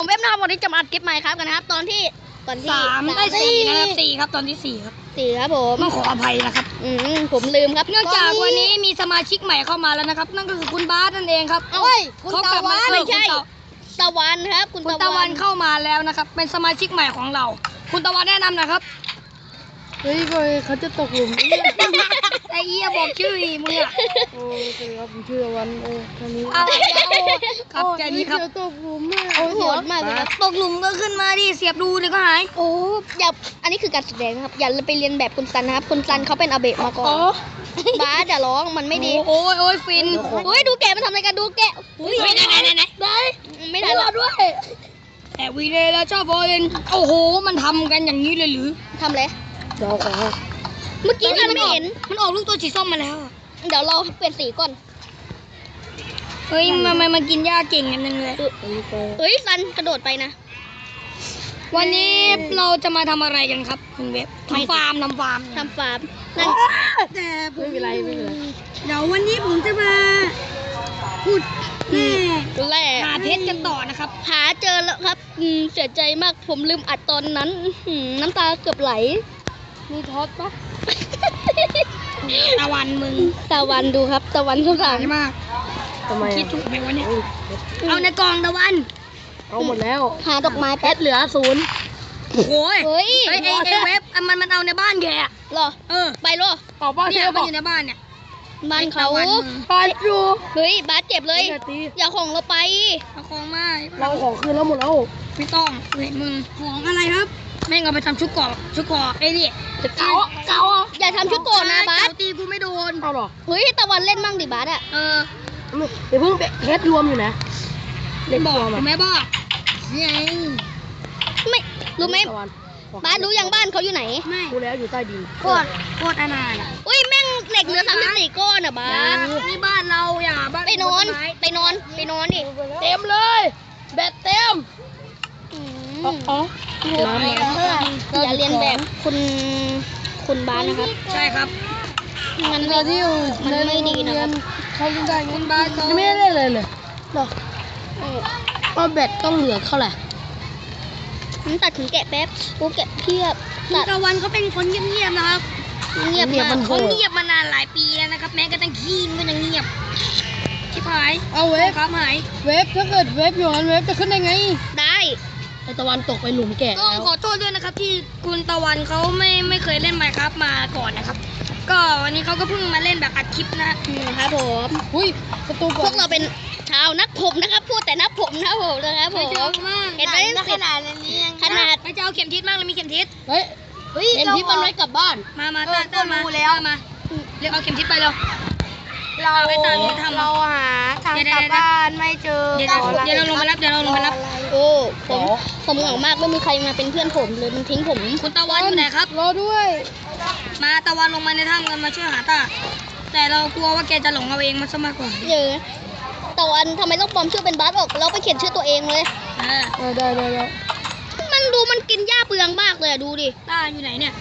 ผมเว็บนะครับวันนี้จะมาอัดคลิปใหม่ครับกันนะครับตอนที่ 3 ได้ 4นะครับ4ครับตอนที่4ครับ 4ครับผมต้องขออภัยนะครับผมลืมครับเนื่องจากวันนี้มีสมาชิกใหม่เข้ามาแล้วนะครับนั่นก็คือคุณบาสนั่นเองครับเอ้ยเขากลับมาไม่ใช่ตะวันครับคุณตะวันเข้ามาแล้วนะครับเป็นสมาชิกใหม่ของเรา คุณตะวันแนะนำหนะครับเฮ้ยเขาจะตกหลุมไอ้เหี้ยบอกชื่ออีมึงอะโอ้สวัสดีครับผมชื่อตะวันตอนนี้เอาครับแค่นี้ครับเดี๋ยวตกหลุมอ่ะโอ้โหดมากเลยครับตกหลุมก็ขึ้นมาดิเสียบดูเดี๋ยวก็หายโอ้อย่าอันนี้คือการแสดงนะครับอย่าไปเรียนแบบคุณซันนะครับคุณซันเขาเป็นอาเบะมาก่อนบาสอย่าร้องมันไม่ดีโอ้ยฟินเฮ้ยดูแกะมันทำอะไรกันดูแกะไหนได้ไม่ได้รอด้วยแต่วีเลยแล้วชอบโบเลนโอ้โหมันทำกันอย่างนี้เลยหรือทำอะไรเดี๋ยวขอเมื่อกี้ท่านไม่เห็นมันออกลูกตัวสีส้มมาแล้วอะเดี๋ยวเราเปลี่ยนสีก่อนเฮ้ยมากินหญ้าเก่งกันจังเลยอันนี้ไปเฮ้ยซันกระโดดไปนะวันนี้เราจะมาทำอะไรกันครับคุณเว็บทำฟาร์มทำฟาร์มนั่นแต่ไม่เป็นไรไม่เป็นไรเดี๋ยววันนี้ผมจะมาพูดแร่แหละหาเพชรกันต่อนะครับหาเจอแล้วครับเสียใจมากผมลืมอัดตอนนั้นน้ำตาเกือบไหลมีท็อตปะตะวันมึงตะวันดูครับตะวันข้างหลังใช่มากทำไมคิดถูกไหมวะเนี่ยโอ้ยเอาในกล่องตะวันเอาหมดแล้วหาดอกไม้แอแป๊บดเหลือ0 โอ้ยเฮ้ยไอ้เว็บมันเอาในบ้านแกอะเหรอไปเหรอต่อบ้านเนี่เที่ยยวมับนอกอยู่ในบ้านเนี่ยบ้านเขาตะวันมึงไปอยู่เฮ้ยบาสเจ็บเลยอย่าตีอย่าของเราไปเอาของมาเราของคืนแล้วหมดแล้วไม่ต้องเห็นมึงของอะไรครับแม่งเอาไปทำชุดเกาะไอ้นี่จะเก่าอ่ะอย่าทำชุดโกนนะบาสเก๋ตีกูไม่โดนเอาหรอเฮ้ยตะวันเล่นมั่งดิบาสอะเดี๋ยวเพิ่งเพชรรวมอยู่นะเล่นบอกแม่บอกยังไม่รู้ไหมตะวันบาสรู้ยังบ้านเขาอยู่ไหนไม่รู้แล้วอยู่ใต้ดินโคตรอนาถอ่ะอุ้ยแม่งเหล็กเหลือ34ก้อนอะบาสนี่บ้านเราอย่าบ้านไปนอนดิเต็มเลยแบตเต็มอือ๋อมน้ำมาอย่าเรียนแบบคุณบาสนะครับใช่ครับมันเราที่อยู่มันไม่ดีนะครับเขาเล่นได้ไงคุณบ้านเขายังไม่ได้เล่นเลยหรอเออเอาแบตต้องเหลือเท่าไหร่มันตัดถึงแกะแป๊บกูแกะเทียบคุณตัดตะวันเขาเป็นคนเงียบๆนะครับเงียบมากเขาเงียบมานานหลายปีแล้วนะครับ แม้กระทั่งขี้มันก็ยังเงียบชิบหายเอาเวฟครับหายเวฟถ้าเกิดเวฟอยู่นั้นเวฟจะขึ้นได้ไงได้ไอตะวันตกไปหลุมแกะต้องแล้วขอโทษด้วยนะครับที่คุณตะวันเขาไม่เคยเล่นไมค์ครับมาก่อนนะครับ ก็วันนี้เขาก็เพิ่งมาเล่นแบบอัดคลิปนะครับผมอุ้ยประตูพวกเราเป็นชาวนักผมนะครับ พูดแต่นักผมนะครับผมนะครับผไม่มเยอะมากเห็นไหมขนาดนี้ขนาดไม่จะเอาเข็มทิศมากเลยมีเข็มทิศเฮ้ยเฮ้ยเอ็มทิปมันไว้กลับบ้านมาต้ามาแล้วมาเรียกเอาเข็มทิศไปเร็วเราไปตามที่ทำเราหาทางกลับบ้านไม่เจอเดี๋ยวเราลงมารับโอ้ผมเหงามากไม่มีใครมาเป็นเพื่อนผมเลยมันทิ้งผมคุณตะวันอยู่ไหนครับรอด้วยมาตะวันลงมาในถ้ำกันมาช่วยหาตาแต่เรากลัวว่าแกจะหลงเอาเองมันซะมากกว่าเยอะตะวันทำไมต้องปลอมชื่อเป็นบาสออกแล้วไปเขียนชื่อตัวเองเลยได้มันดูมันกินหญ้าเปลืองมากเลยอะดูดิตาอยู่ไหนเนี่ย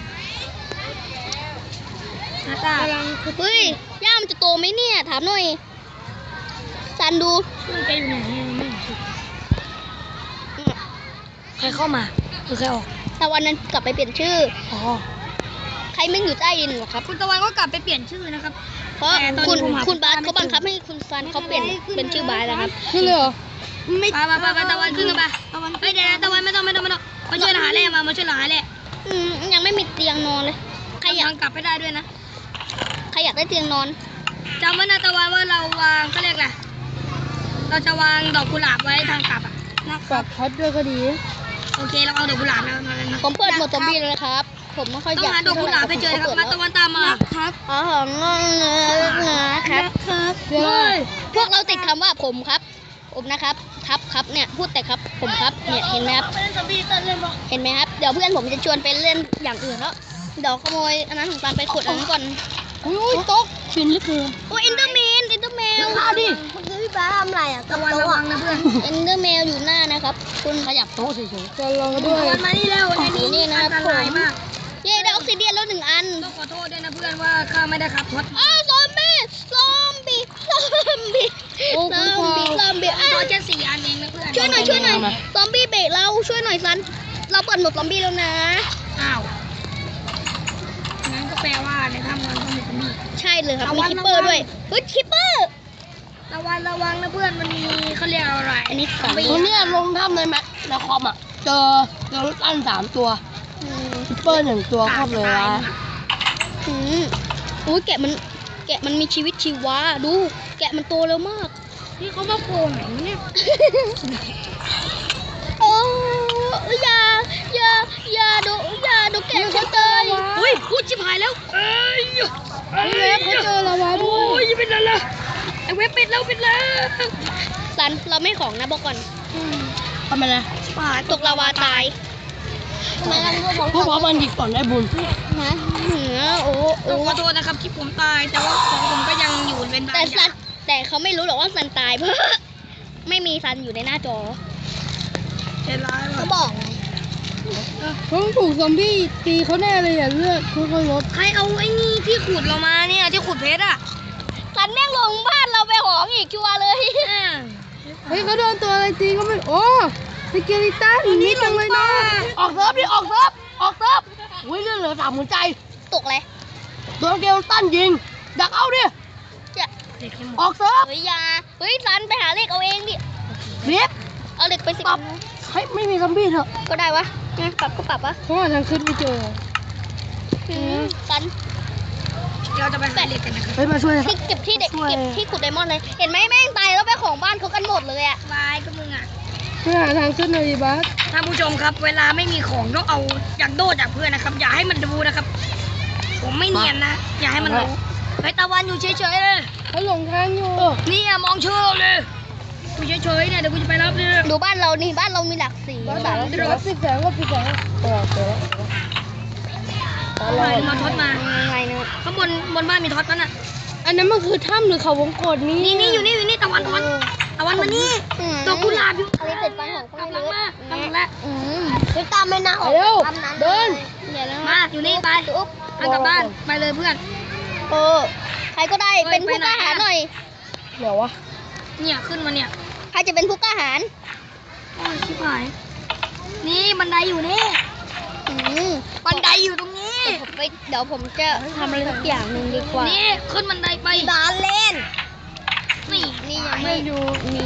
หาตาเฮ้ยหญ้ามันจะโตไหมเนี่ยถามหน่อยซันดูแกอยู่ไหนใครเข้ามาคือใครออกตะวันนั้นกลับไปเปลี่ยนชื่ออ๋อใครไม่อยู่ใต้ดินหรอครับคุณตะวันก็กลับไปเปลี่ยนชื่อนะครับเพราะแต่ตอนคุณนี้ผมหาคุณบาสคุณตาไม่เขาบังคับให้คุณซันเขาเปลี่ยนเป็นชื่อบาสนะครับขึ้นเลยเหรอไปตะวันขึ้นกันไปเฮ้ยเดี๋ยวตะวันไม่ต้องมาช่วยหาแร่มาช่วยหาแร่ยังไม่มีเตียงนอนเลยใครอยากกลับไปได้ด้วยนะใครอยากได้เตียงนอนจำไว้นะตะวันว่าเราวางเขาเรียกอะไรเราจะวางดอกกุหลาบไว้ทางกลับอ่ะนะฝากท็อตด้วยก็ดีโอเคเราเอาดอกกุหลาบแล้วมาเลยนะผมเปิดหมดซอมบี้เลยนะครับ ผมไม่ค่อยต้ออง ยากหาดอกกุหลาบให้เจอนะครับมาตะวันตามมาครับอ๋อนะครับเดี๋ยวพวกเราติดคำว่าผมครับ ผมนะครับครับเนี่ยพูดแต่ครับผมครับเนี่ยเห็นไหมครับเห็นไหมครับเดี๋ยวเพื่อนผมจะชวนไปเล่นอย่างอื่นแล้วเดี๋ยวขโมยอันนั้นของตามไปขุดอันนั้นก่อนอุ้ยตกฟินเหลือเกินโอ้อินเตอร์แมวฆ่าดิคือพี่บ้าทำอะไรอ่ะตะวันระวังนะเพื่อนอินเตอร์แมวอยู่หน้านะครับ คุณขยับโต๊ะเฉยๆจะรอด้วยตะวันมานี่เร็วในนี้อันตรายมากเย้ได้ออกซิเดียนแล้ว1 อันต้องขอโทษด้วยนะเพื่อนว่าข้าไม่ได้ขับรถอ้าวซอมบี้อ้าวตัวแค่4 อันเองนะเพื่อนช่วยหน่อยซอมบี้เบรกช่วยหน่อยซัน เราเปิดโหมดซอมบี้แล้วนะอ้าวงั้นก็แปลว่าในถ้ำนั้นต้องมีซอมบี้ใช่เลยครับระมีวังคิปเปอร์ระวังด้วย เฮ้ยคิปเปอร์ระวังนะเพื่อนมันมีเขาเรียกอะไรอันนี้สองซมบี้ตัวเนี้ยลงถ้ำในแมในคอมอ่ะ เจอรถตั้น3 ตัวอืมคิปเปอร์1 ตัวครอบเลยวะอืมอุ้ยแกะมันมีชีวิตชีวา ดู แกะมันโตเร็วมากนี่เขามาโผล่ไหนเนี่ยโอ้อย่าดูแกะฉันเลยเฮ้ยพูดชิบหายแล้วเอ้ยนี่เว็บเขาเจอลาวาด้วโอ้ยยเป็นอะไรล่ะไอเว็บปิดแล้วซัน เราไม่ของนะบอกก่อนทำไมนะตกลาวาตายพวกพร้อมมันดีก่อนได้บุญนะเหนือโอ้ต้องขอโทษนะครับที่ผมตายแต่ว่าของผมก็ยังอยู่เป็นบางแต่อซัย่าน งแต่เขาไม่รู้หรอกว่าซันตายเพราะ ไม่มีซันอยู่ในหน้าจอใจร้ายว่ะเขาบอกเขาถูกซอมบี้ตีเขาแน่เลยอ่ะเลือดค่อยๆลดใครเอาไอ้นี่ที่ขุดเรามาเนี่ยที่ขุดเพชรอ่ะซันแม่งลงบ้านเราไปหองอีกชัวร์เลยเฮ้ยเขาโดนตัวอะไรตีก็ไม่โอ้สเกลิตันนี่จังเลยนะออกเซิร์ฟดิออกเซิร์ฟอุ้ยเลือดเหลือ3 หัวใจตกเลยโดนสเกลิตันยิงดักเอาดิจะเด็กให้หมดออกเซิร์ฟเฮ้ยอยาเฮ้ยซันไปหาเลขเอาเองดิเรียบเอาเหล็กไปสิปรับเฮ้ยไม่มีซอมบี้เถอะก็ได้วะงั้นปรับก็ปรับวะเพราะว่าทางขึ้นไม่เจอซันเราจะไปหาเหล็กกันนะครับเฮ้ยมาช่วยนะครัที่บเก็บที่เด็กช่วยเก็บที่ขุดไดมอนด์เลย เห็นไหมแม่งตายแล้วไปของบ้านเขากันหมดเลยอะวายก็มึงอ่ะช่วยหาทางขึ้นหน่อยดิบัสท่านผู้ชมครับ เวลาไม่มีของต้องเอาจากโดจากเพื่อนนะครับ อย่าให้มันดูนะครับ ผมไม่เนียนนะ อย่าให้มันรู้เฮ้ยตะวันอยู่เฉยๆเลยเขาหลงทางอยู่นี่อะมองเชื่อเลยอยู่เฉยๆเนี่ยเดี๋ยวกูจะไปรับเลยดูบ้านเรานี่บ้านเรามีหลักสีบัสสามเดี๋ยวปิดแสงก็ปิดแสงเจอแล้วมาท็อตมายังไงเนี่ยข้างบนบ้านมีท็อตมั้ยน่ะอันนั้นมันคือถ้ำหรือเขาวงกตนี่นี่อยู่นี่ตะวันมานี่ดอกกุหลาบอยู่อันนี้ติดฟันของคนกำลัเล็งกมากำลังละไปตามไม่น่าออกเร็วตามนั้นเดินเดี๋ยวนะมาอยู่นี่ไปอุ๊บเอากลับบ้านไปเลยเพื่อนใครก็ได้เฮ้ยเป็นผู้ไปไหนกล้าหาญอะหน่อยเดี๋ยววะเนี่ยขึ้นมาเนี่ยใครจะเป็นผู้กล้าหาญโอ้ยชิบหายนี่บันไดอยู่นี่อืมบันไดอยู่ตรงนี้เดี๋ยวผมจะทำอะไรสักอย่างหนึ่งดีกว่านี่ขึ้นบันไดไปบ้านเล่นนี่นี่ยังไม่ไม่อยู่มี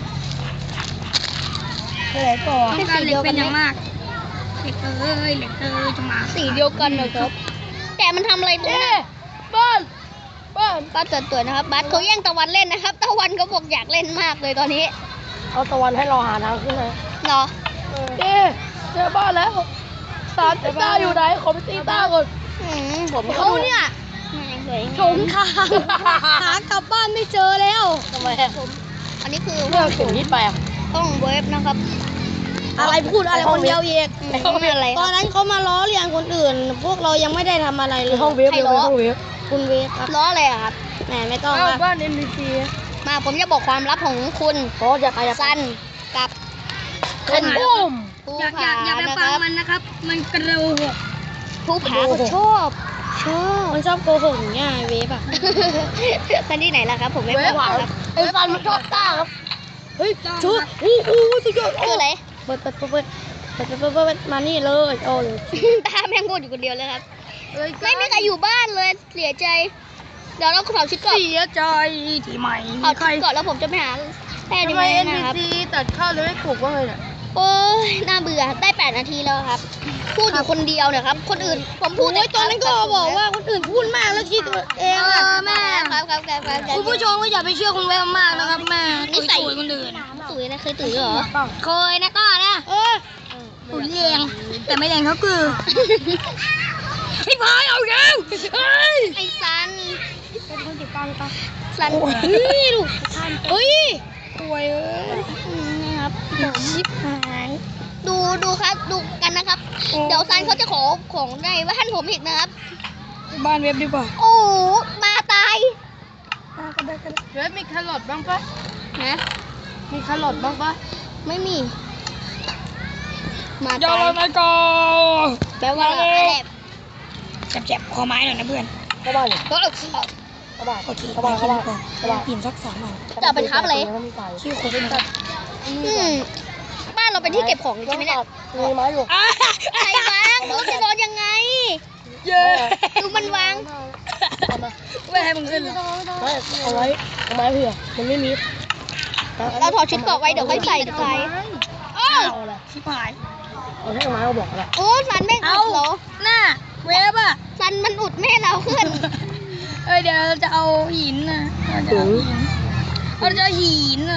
ไปไหนต่อต้องการเหล็กเป็นอย่างมากเหล็กจะมาสีเดียวกันนะครับ แต่มันทำอะไรตรงเอ๊นั้นบ้านป้าตัวๆนะครับบัสเขาแย่งตะวันเล่นนะครับ ตะวันเขาบอกอยากเล่นมากเลยตอนนี้เอาตะวันให้เราหาทางขึ้นนะเนาะเอ๊เจอบ้านแล้วสารต้าอยู่ไหนขอไปตีต้าก่อนผมเขาเนี่ยยังเหลืออีกหลงทางหากลับบ้านไม่เจอแล้วทำไมอันนี้คือเรื่องสิ่งที่แปลกห้องเว็บนะครับอะไรพูดอะไรคนเดียวเองอะไรตอนนั้นเขามาล้อเลียนคนอื่น พวกเรายังไม่ได้ทำอะไรเลยห้องเวฟใครล้อห้องเวฟคุณเวฟครับล้ออะไรอะครับแหมไม่ต้องบ้าน NPC มาผมจะบอกความลับของคุณเขาจะใครจะซันกับเป็นบุ้มภูอย่าผาอย่าไปนะคฟังรับมันนะครับ มันกระโดดภูผาก็ชอบมันชอบโกหกอย่างเงี้ยเวฟอ่ะซันที่ไหนล่ะครับ ผมไม่เวบฟอกครับไอ้ซันมันชอบต้าครับเฮ้ยชูสุดยอดคืออะไรเปิดมานี่เลยโอ้ยตาแม่งพูดอยู่คนเดียวเลยครับ ไม่มีใครอยู่บ้านเลยเสียใจ เดี๋ยวเราถอดชุดก่อนเสียใจที่ไม่ถอดใครชุดก่อนแล้วผมจะไปหาแพทย์ทำดีไมไหมนะครับ NPC ตัดข้าวเลยไม่ปลูกว่าไงเนี่ยโอ้ยน่าเบื่อได้8 นาทีแล้วครับ พูดอยู่คนเดียวเนี่ยครับ คนอื่นผมพูดโอ้ยตอนนั้นก็บอกว่าคนอื่นพูดมากแล้วคิดตัวเองอ่ะแม่ครับคุณผู้ชมก็อย่าไปเชื่อคุณเวฟมากนะครับแม่นิสัยตุ๋ยคนอื่นตุ๋ยนะเคยตุ๋ยเหรอเคยนะก็นะตุ๋ยแรงแต่ไม่แรงเท่าคือพี่พายเอาแรงเฮ้ยไอ้ซันเป็นคนติดตามกันซันเฮ้ยลูกเฮ้ยป่วยเอ้ยนะครับผมชิบหายดูครับดูกันนะครับ เดี๋ยวซันเขาจะขอของในบ้านผมอีกนะครับบ้านเว็บดีกว่าโอ้โหมาตายเว็บมีแครอทบ้างปะนะมีแครอทบ้างปะไม่มี มาอย่าตายลงมาก่อนแปลว่าแอบเจ็บคอไม้หน่อยนะเพื่อนเข้าบ้านเลยก็เข้าบ้านโอเคเข้าบ้านเข้าบ้านเข้าบ้านอิ่มสัก3 วันจะเอาไปทับอะไรไม่มีไฟชื่อคนเป็นแบบบ้านเราเป็นที่เก็บของใช่ไหมเนี่ยมีไม้อยู่ใครวางเราจะนอนยังไงเยอะดูมันวางไม่ให้มึงขึ้นหรอกไม่เอาไว้เอาไม้เผื่อมันไม่มีเราถอดชุดเกราะไว้เดี๋ยวค่อยใส่ใส่โอ้เอาอะไรชิบหายเอาให้ไม้เอาบอกอะไรโอ้สันแม่งเอาอุดเหรอหน้าเวฟอ่ะสันมันอุดแม่เราขึ้นเดี๋ยวเราจะเอาหินนะเราจะเอาหินนะ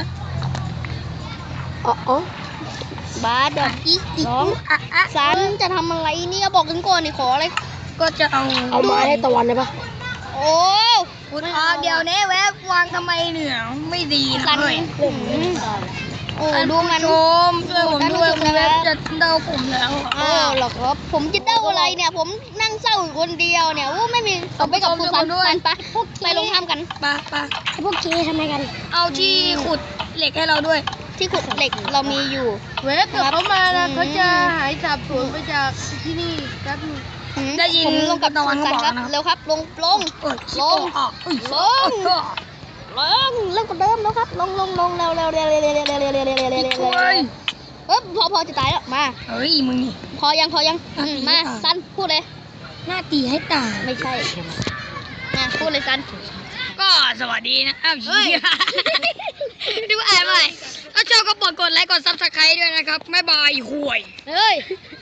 อ๋อบาสเดี๋ยวน้องสันจะทำอะไรเนี่ยบอกกันก่อนนี่ขออะไรก็จะเอาเอาไม้ให้ตะวันได้ปะโอ้อุดออกเดี๋ยวนี้เวฟวางทำไมเหนือไม่ดีนะสันเฮ้ยโอ้ดูมันชมช่วยผมด้วยคุณเวฟจะเดาผมแล้วอะโอ้หรอกครับผมจะเด้าอะไรเนี่ย ผมนั่งเศร้าอยู่คนเดียวเนี่ยโอ้ไม่มีเอาไปกับคุณสันสันปะไปลงถ้ำกันไปพวกเจ๊ทำไมกันเอาที่ขุดเหล็กให้เราด้วยที่ขุดเหล็กเรามีอยู่เวฟเดี๋ยวเขามานะเขาจะหายสาบสูญไปจากที่นี่แป๊บนึงได้ยินผมลงกับตะวันสันเขาบอกครับนะครับเร็วครับลงโอ้ยลงออกลง เริ่มกันเดิมแล้วครับลงเร็วพอจะตายแล้วมาเฮ้ยมึงนี่พอยังมาสันพูดเลยหน้าตีให้ตายไม่ใช่มาพูดเลยสันก็สวัสดีนะอ้าวเหี้ยดูอ่านใหม่ถ้าชอบก็กดไลค์กดซับสไครต์ด้วยนะครับบ๊ายบายห่วยเฮ้ย